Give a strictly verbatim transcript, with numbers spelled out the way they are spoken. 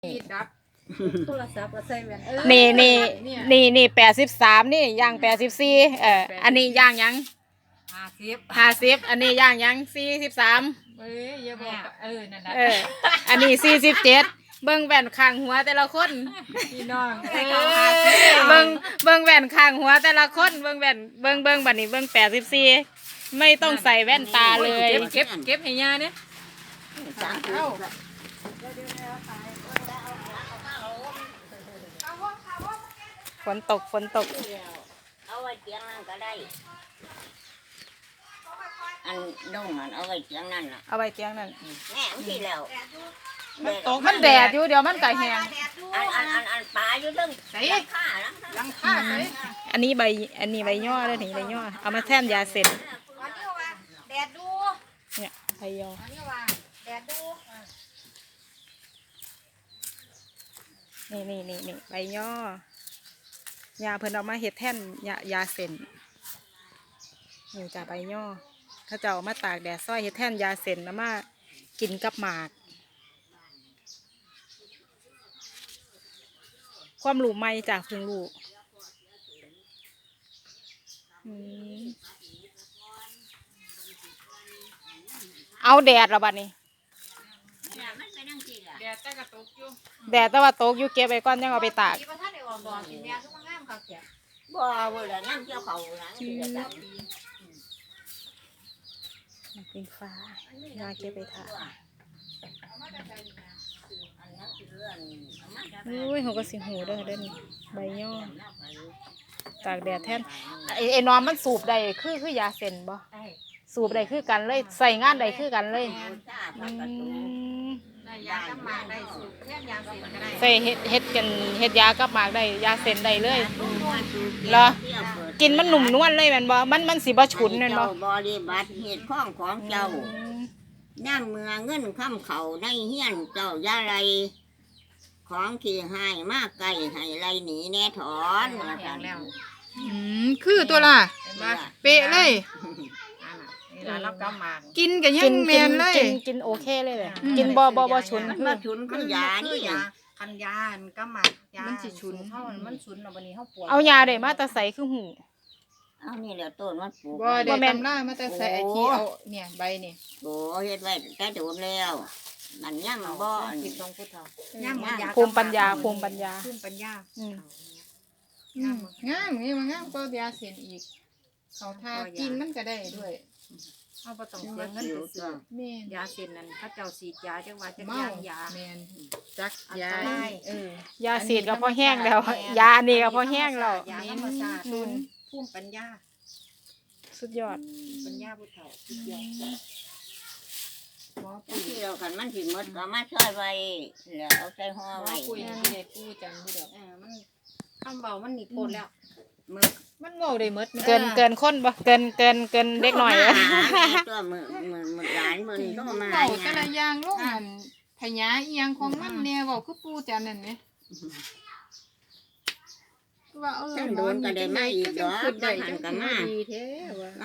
นี่ดับโทรศัพท์ก็ใส่แว่นนี่นี่นี่นี่แปดสิบสามนี่ย่างแปดสิบสี่เอออันนี้ย่างยังห้าสิบห้าสิบอันนี้ย่างยังสี่สิบสามเอ้ยอย่าบอกเออนั่นนะเอออันนี้สี่สิบเจ็ดเบิ่งแว่นข้างหัวแต่ละคนพี่น้องเบิ่งเบิ่งแว่นข้างหัวแต่ละคนเบิ่งแว่นเบิ่งเบิ่งบัดนี้เบิ่งแปดสิบสี่ไม่ต้องใส่แว่นตาเลยเก็บเก็บเก็บให้ยาเนี่ยเอาฝนตกฝนตกเอาไว้เตียงนั่นก็ได้อันดงนั่นเอาไว้เตียงนั่นน่ะเอาไว้เตียงนั่นแม่ที่แล้วมันตกมันแดดอยู่เดี๋ยวมันก็แห้งอันอันอันอันปลาอยู่ตึ้งใส่ข้าลังค่าใส่อันนี้ใบอันนี้ใบย่อเลยนี่ใบย่อเอามาแทนยาเส้นแดดดูเนี่ยใบย่อแดดดูนี่นี่นี่นี่ใบย่อยาเพิ่นเอามาเฮ็ดแท่นยายาเส้นนี่จ้ะใบย่อเขาจะเอามาตากแดดซ้อยเฮ็ดแท่นยาเส้นแล้วมากินกับหมากความรู้ใหม่จากเพิ่งรู้เอาแดดแล้วบัดนี้แดดแต่กระตุกอยู่แดดแต่ว่าตกอยู่เก็บไว้ก่อนยังเอาไปตากที่พระท่านได้ออกดอกกินแม่ทุกงามค่ะแกบ่เวลานั่งเกี่ยวเขาหลังที่จะเป็นฟ้ายาเก็บไปทาอุ้ยเขาก็สิหูเด้อเด้อนี่ใบย่อตากแดดแทนไอ้ไอ้นอนมันสูบได้คือคือยาเส้นบ่สูบได้คือกันเลยใส่งานได้คือกันเลยได้ยากับหมากได้สูตรแค่ยาเสร็จก็ได้ใส่เฮ็ดเฮ็ดกันเฮ็ดยากับหมากได้ยาเส้นได้เลยเหรอกินมันหนุ่มนวลเลยแม่นบ่มันมันสิบ่ฉุนแม่นบ่บริบัติเหตุข้องของเจ้าย่างเมืองเงินค้ำเขาในเฮียนเจ้ายาไรของขี่ให้มากไก่ให้ไรหนีแน่ถอนแล้วอืมคือตัวล่ะเป๊ะเลยนี่ล่ะรับกำหมากกินกันยังแม่นเลยกินกินโอเคเลยเลยกินบ่บ่บ่ฉุนคือฉุนคือยานี่คันยากำหมากยามันสิฉุนเฮามันฉุนแล้ววันนี้เฮาปวดเอายาได้มาแต่ใส่คือหูเอานี่แหละต้นมันปลูกบ่ได้ตำรามาแต่ใส่ไอ้ที่เอาเนี่ยใบนี่โอ้เฮ็ดไว้แต่โดนแล้วมันยังบ่คิดของผู้เฒ่าย่ำภูมิปัญญาภูมิปัญญาภูมิปัญญาอืมงามนี่มันงามก็ยาเส้นอีกเขาทากินมันก็ได้ด้วยเอาบ่ต้องเสียเงินไปซื้อแม่ยาเส้นนั้นเขาเจ้าฉีดยาจังว่าจักอย่างยาแม่นจักยาเออยาฉีดก็พอแห้งแล้วยาอันนี้ก็พอแห้งแล้วยาธรรมชาติภูมิปัญญาสุดยอดปัญญาผู้เฒ่าสุดยอดหมอปุ๋ยที่เรากันมันสิหมดก็มาช่วยไว้แล้วเอาใส่ห่อไว้ปุ๋ยนี่ปุ๋ยจังผู้เดียวเออมันคำเบามันนี่โคตรแล้วมึกมันโง่ได้หมดเกินเกินคนบ่เกินเกินเกินเด็กหน่อยตัวมือมือมือหลานมือต้องมาเบาแต่ละอย่างลูกหันพญาอีหยังของมันแน่เว้าคือปู่จันนั่นแหมว่าเออโดนก็ได้มาอีกดอกหันก็มาดีแท้ว่า